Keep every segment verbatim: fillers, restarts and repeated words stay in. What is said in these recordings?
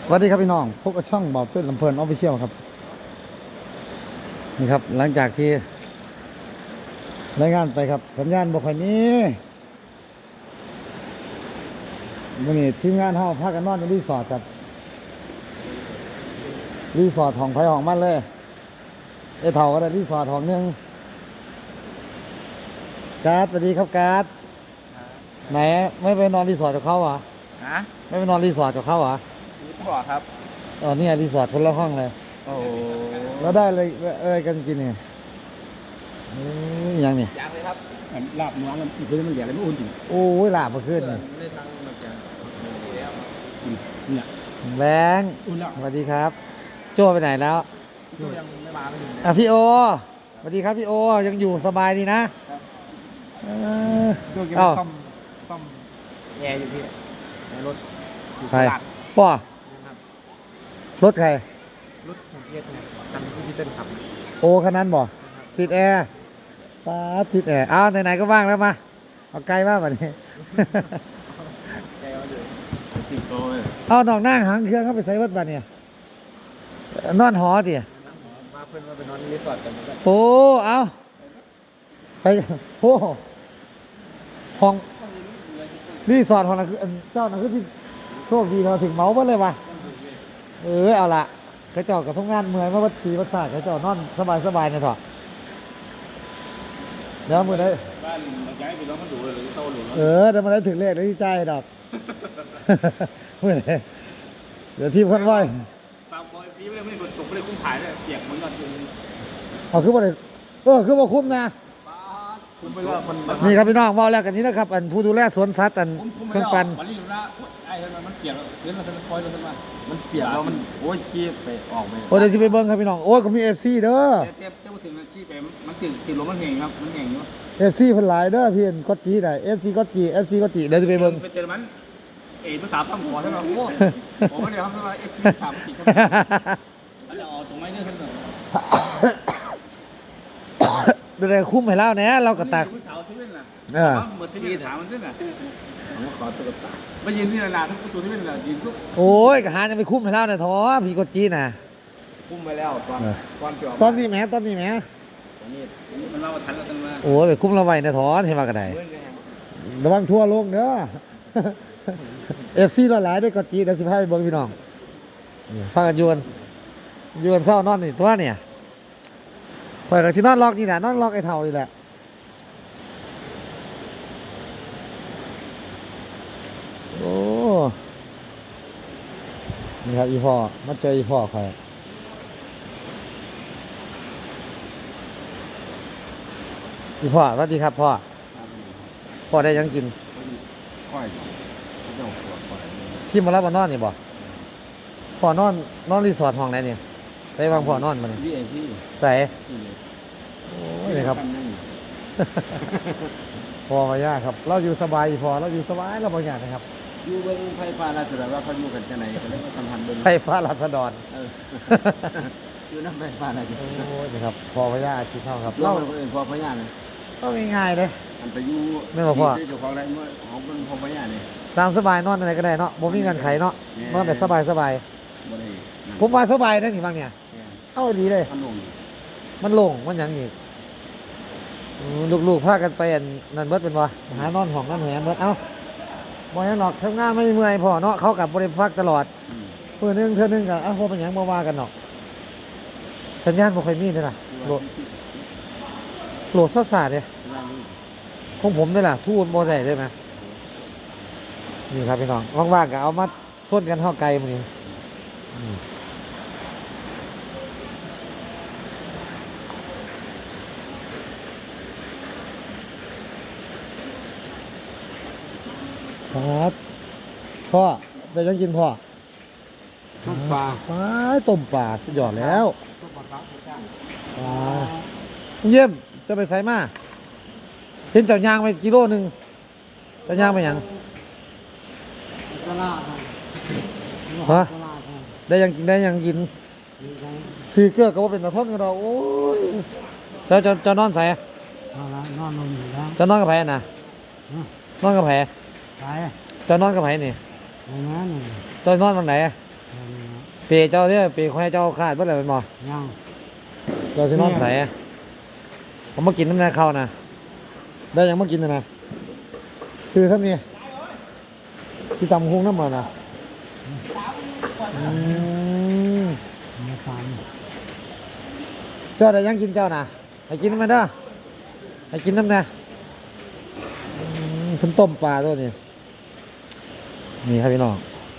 วัสดีครับพี่น้องพบกับช่องบ่าวเป็นลำเพลินออฟฟิเชียลครับนี่ครับหลังจากที่รายงานไปครับสัญญาณบ่ค่อยมีวันนี้ทีมงานเฮาพากันนอนอยู่รีสอร์ทครับรีสอร์ทของไผของมันเลยไอ้เถ่าก็ได้รีสอร์ทของนึงการ์ดสวัสดีครับการ์ดไหนไม่ไปนอนรีสอร์ทกับเขาเหรอฮะไม่ไปนอนรีสอร์ทกับเขาเหรอนี่พ่อครับอ๋อเนี่ยรีสอร์ทคนละห้องเลยโอ้แล้วได้อะไรอะไรกันกินเนี่ยอืมอย่างเนี่ยยังเลยครับลาบเนื้อมันคือมันใหญ่เลยไม่อุ่นจริงโอ้ยหลาบมาขึ้นเลยได้ตังค์มาจากเนี่ยแบงค์อุ่นแล้วสวัสดีครับ โจ้ไปไหนแล้วก็ยังไม่มาไม่ถึงอ่ะพี่โอสวัสดีครับพี่โอยังอยู่สบายดีนะเออก็ยังเอ้าซ่อมซ่อมแอร์อยู่พี่ในรถอยู่ใครตลาดป่อนะครับรถใครรถของเอสเนี่ยคันที่พี่เต้นขับนะโอคันนั้นบ่ติดแอร์ป้าดติดแอร์อ้าวไหนๆก็ว่างแล้วมาเอาไกลมากแบบนี้แกเอาอยู่ติดโตเลยเอาดอกนั่งหางเครื่องเข้าไปใส่วัดบ้านเนี่ยนอนหอดิมาเพื่อนมาไปนอนรีสอร์ทกันก็โอ้เอาไปโอ้ห้องรีสอร์ทของเราคืออันเจ้าน่ะคือที่โชคดีเราถึงเมาส์มาเลยวะเออเอาละกระเจอกกับทุกงานเมื่อยมาวัดปีวัดศาสตร์กระเจอกนอนสบายสบายๆเนี่ยเถอะเดี๋ยวมือได้บ้านเราย้ายไปแล้วมันดูเลยโตหรือเออเดี๋ยวมาได้ถึงเลขแล้วที่ใจดอก มือได้เดี๋ยวทีมคนไหวฟังบอยฟีไม่ได้ไม่ได้ตกไม่ได้คุ้มถ่ายเลยเปียกเหมือนกันเอาคือว่าได้เออคือว่าคุ้มนะคุ้มไปแล้วมันนี่ครับพี่น้องว่าแล้วกันนี้นะครับ อันผู้ดูแลสวนสัตว์อันเครื่องปั่นวันนี้อยู่นะไอ้ทำไมมันเปียกเดี๋ยวเราจะปล่อยเราจะมามันเปียกแล้วมันโอ้ยขี้ไปออกไปโอ้เดี๋ยวจะไปเบิ้งครับพี่น้องโอ้ยก็มีเอฟซีเด้อเทียบเทียบถึงขี้ไปมันถึงถึงลมมันแห้งครับมันแห้งอยู่เอฟซีเพิ่นหลายเด้อพี่เอ็นก็จีได้เอฟซีก็จีเอฟซีก็จีเดี๋ยวจะไปเบิ้งไปเจอมันเอ๋ภาษาพังหัวใช่ไหมโอ้โหเดี๋ยวครับว่าเอฟซีถามติดครับแล้วจะออกตรงไหนเนี่ยท่านเนเดี๋ยวคุ้มให้เล่าเนี่ยเราก็ตักผู้สาวซีเว่นน่ะเออเหมือนซีเว่นถามมันด้วยน่ะผมขอตัวกับตาไปยืนที่นาทุกตัวซีเว่นน่ะยืนทุกโอ้ยก็หาจะไปคุ้มให้เล่าเนี่ยท้อพี่ก็จีน่ะคุ้มไปแล้วตอนตอนจบตอนนี้แหมตอนนี้แหมตอนนี้มันเล่าทันแล้วตั้งมาโอ้ยไปคุ้มเราไว้เนี่ยท้อเห็นว่าก็ได้ระวังทั่วโลกเด้อ เอฟซีหลายๆได้ก็จีเดี๋ยวสิพาไปเบิ้งพี่น้องนี่ฟังกันอยวนอยวนเศร้านอนนี่ตัวเนี่ยปล่อยกับชินอนล็อกนี่แหละนอนล็อกไอ้เท่านี่แหละโอ้นี่ครับอีพ่อมาเจออีพ่อใครอีพ่อสวัสดีครับพ่อพ่อได้ยังกินค่อยเจ้าปวดปวดที่มารับมานอนนี่บ่พ่อนอนนอนรีสอร์ทห้องไหนเนี่ยใส่วางพ่อนอนมาเนี่ยพี่เองพี่ใส่โอ้ยนี่ครับพอมายากครับ เราอยู่สบายพอเราอยู่สบายเราบางอย่างนะครับอยู่เบิ้งไฟฟ้าราชดรว่าเขาอยู่กันจะไหนเขาเรียกว่าสัมพันธ์เบิ้งไฟฟ้ารัศดรเอออยู่น้ำไฟฟ้าราชดโอ้รยนี่ครับพอมายากคิดเท่าครับเราเราเป็นคนอื่นพอพญาเนี่ยก็ง่ายๆเลยอันไปอยู่ไม่บอกพ่อที่เจ้าของไรเมื่อของเป็นพอพญาเนี่ยตามสบายนอนอะไรก็ได้เนาะบ่มีเงินไขเนาะนอนแบบสบายสบายบ่ได้ผมว่าสบายนะนี่บางเนี่ยเนี่ยเอาดีเลยมันลงมันโล่งมันหยังอีกอืมลูกๆพากันไปอันนั่นเบิดเป็นวะหานอนห้องนั่นแหมเบิดเอ้าบ่ยังหนอกทำงานไม่เมื่อยพอเนาะเขากับบริพักตลอดอืมเพื่อนึงเธอนึงกับอ้าวพอเป็นหยังบ่ว่ากันเนาะสัญญาณบ่ค่อยมีเลยล่ะโหลดโหลดซ่าๆเด้ของผมนี่ล่ะทูนบ่ได้ได้ไหมนี่ครับพี่น้องว่างๆก็เอามาส่วนกันเท่าไกลมื้อนี้อืมครับพ่อได้ยังกินพ่อทุกปลาปลาต้มปลาสุดยอดแล้วปลาเยี่ยมจะไปใส่มาเห็นเจ้ายางไปกิโลหนึ่งเจ้ายางไปหยังตลาดฮะตลาดได้ยังกินได้ยังกินซื้อเกลือก็ว่าเป็นตะทนกันเราโอ้ยเจ้าเจ้าเจ้านอนใส่เอาละนอนลงอยู่แล้วเจ้านอนกับไผน่ะนอนกับไผไปเจ้านอนกับไผนี่ไปนั้นนี่เจ้านอนวันไหนอืมเปเจ้าเนี่ยเปคอยเจ้าขาดเมื่อไหร่เป็นบ่ยังเจ้าสินอนใส่ผมมากินน้ำนาข้าวนะได้ยังมากินนะนะซื้อท่านนี่ที่ตำคุ้งน้ำมันนะอืมไม่ฟังเจ้าได้ยังกินเจ้านะให้กินมันเด้อให้กินน้ำนะอืมต้มต้มปลาตัวนี้นี่ครับพี่น้อง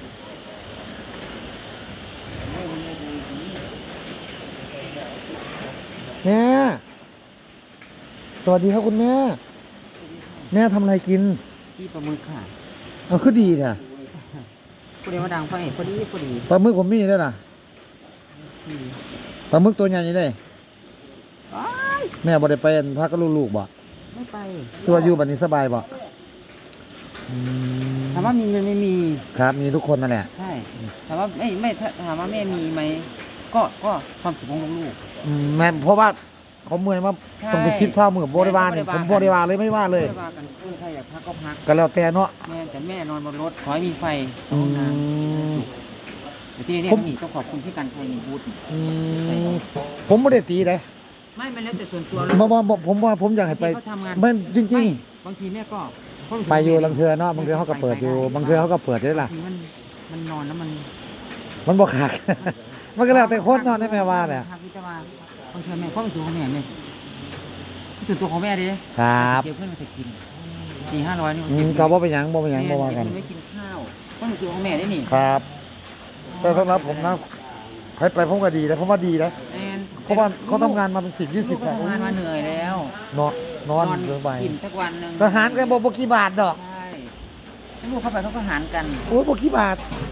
แม่สวัสดีครับคุณแม่ แม่ทำอะไรกินที่ปลาหมึกค่ะเอาคือดีเนี่ยพอดีว่าดังไฟพอดีพอดีปลาหมึกผมมีได้ล่ะอืมปลาหมึกตัวใหญ่ได้อ้ายแม่บ่ได้ไปพักกับลูกๆบ่ไม่ไปตัวาอยู่บัดนี้สบายบ่อืมถามว่ามีเงินไม่มีครับมีทุกคนนั่นแหละใช่ถามว่าไม่ไม่ถ้าถามว่าแม่มีไหมก็ก็ความสุขของลูกอืมแม่เพราะว่าเขาเมื่อยมาใช่ต้องไปซิปเท่ามือบ่ได้ว่าเนี่ยไม่ผมได้ว่าบ่ได้ว่าเลยไม่ว่าๆเลยไม่ว่ากันคือใครอยากพักก็พักก็แล้วแต่เนาะแม่แต่แม่นอนบนรถขอให้มีไฟอืห้องน้มำแต่ที่นี่ผมนี่ต้องขอบคุณพี่กันชัยนี่บูธนี่อืมผมบ่ได้ตีเลยไม่มันแล้วแต่ส่วนตัวบ่บ่บ่ผมว่าผมอยากให้ไปเขาทำงานมันจริงไม่บางทีแม่ก็ก็รู้สึกๆ ไปอยู่ลังเทือเนาะบางเทือเขาก็เปิดอยู่บางเทือเขาก็เปิดได้ล่ะบางทีมันมันนอนแล้วมันมันบ่คัก มันก็แล้วแต่คนเนาะได้แม่ว่าเนี่ยครับพี่แต่ว่าบางทีแม่ความรู้สึกของแม่แม่ส่วนตัวของแม่ดิครับเก็บเพื่อนมาไปกินสี่ห้าร้อยนี่มันอืเก็มบก็บ่เป็นหยังบ่เป็นหยังบ่ว่ากันแม่ไม่กินข้าวความรู้สึกของแม่ได้นี่ครับ แต่สำหรับผมนะไปไปผมก็ดีนะผมว่าดีนะแอนเพราะว่าเขาทำงานมาเป็นสิบยี่สิลูบกก็ทำงานมาเหนื่อยแล้วเนาะนอนเกินไปกินสักวันหนึ่งทหารกันบอกบ่กี่บาทดอกใช่ลูกเข้าไปเขาก็หารกันโอ้ยบ่กี่บาท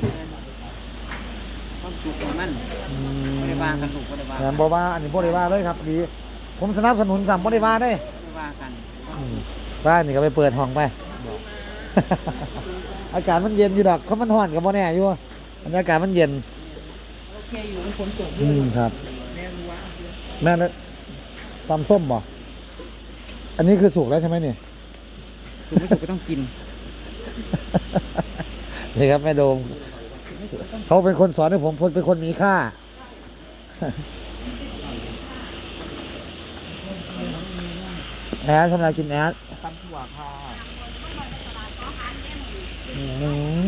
ความสุขของมันบริวารกันลูกบริวารแม่นบ่ว่าอันนี้บ่ได้ว่าเลยครับดีผมสนับสนุนสั่บ่ได้ว่าเด้บริวารกันบ้านนี่ก็ไปเปิดห้องไป อากาศมันเย็นอยู่ดอกเขามันร้อนก็บ่แน่อยู่บรรยากาศมันเย็นโอเคอยู่มันฝนตกอืมครับแม่รู้ว่าแม่แล้วตำส้มบ่อันนี้คือสุกแล้วใช่ไหมนี่ถูกไม่ถูกก็ต้องกินนี่ครับแม่โดมเขาเป็นคนสอนให้ผมเป็นคนมีค่า แอดทำอะไรกินแอดตำถั่วค่ะอืม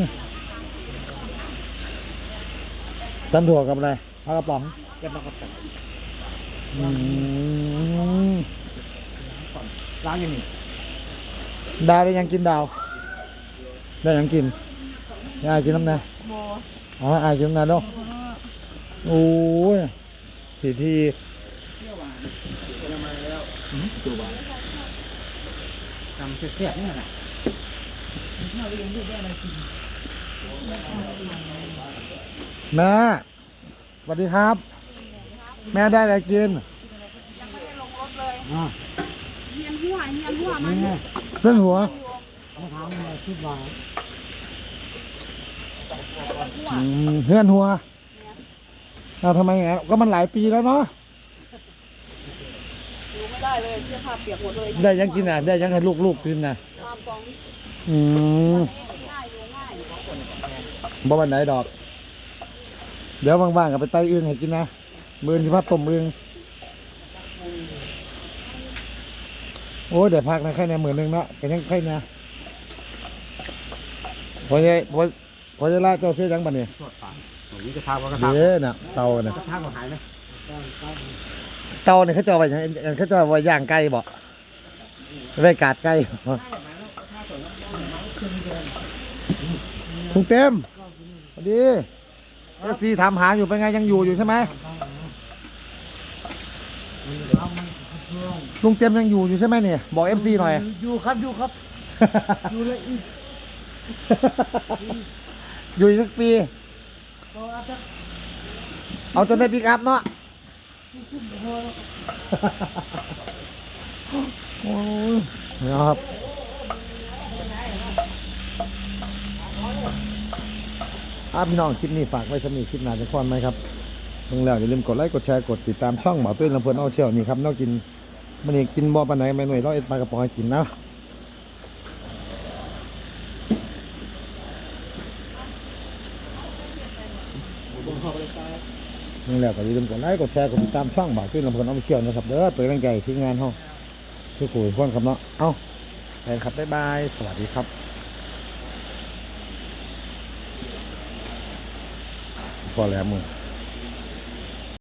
ตำถั่วกับอะไรปลากระป๋องแกบอกกับตับอืมร้านอยู่นี่ดาวได้ยังกินดาว ได้ยังกินได้กินน้ำนะอ๋ออายกินน้ำนะเนาะโอ้ยทีทีทำเสียบๆนี่แหละแม่สวัสดีครับ แม่ได้อะไรกินอ่ะเฮียนหัวเฮียนหัวมานี่ไงเรื่องหัวเขาถามมาสิบบาทอืมเพื่อนหัวเอาทำไมอย่างนั้นก็มันหลายปีแล้วเนาะอยู่ไม่ได้เลยเสื้อผ้าเปียกหมดเลยได้ยังกินอ่ะ ได้ยังให้ลูกๆกินนะตามกองอืมง่ายอยู่ง่ายบ่วันไหนดอก เดี๋ยวว่างๆกับไปไต่อึ่งให้กินนะมือที่พัดต้มอึ่งโอ้ยเดี๋ยวพักนะแค่เนี่ยหมื่นหนึ่งเนาะก็ยังแค่เนี่ยพอจะพอพอจะล่าเจ้าเสียยังบัดนี้ตรวจฝังผมนี่จะทาว่ากระทาเด้น่ะเตาน่ะกระทาก็หายไหมเตาเนี่ยเขาจะเอาไว้ยังเขาจะเอาไว้ย่างไก่บ่ไว้กาดไก่ถุงเต็มสวัสดีเอฟซีถามหาอยู่เป็นไงยังอยู่อยู่ใช่ไหมลุงเต็มยังอยู่อยู่ใช่ไหมเนี่ยบอกเอฟซีหน่อยอยู่ครับอยู่ครับอยู่เลยอีกอยู่อีกสักปีก็อาจจะเอาจนได้ปิกอัพเนาะโอ้ยนะครับอาพี่น้องคลิปนี้ฝากไว้สำหรับคลิปหน้าจะพอนไหมครับเพิ่งแล้วอย่าลืมกดไลค์กดแชร์กดติดตามช่องหมอตุ้ยลำเพลินเอาเชี่ยวนี่ครับนอกกินมันนี่กินบ่อปานไหนแม่หน่วยเราเอ็ดปลากระป๋องให้กินนะนี่แหละก็อย่าลืมกดไลค์กดแชร์กดติดตามช่องบ่าวขึ้นลำเพลินออฟฟิเชียลนะครับเด้อเป็นกำลังใจที่งานห้องทุกคนคนครับเนาะเอ้าไปครับบ๊ายบายสวัสดีครับพอแล้วมือ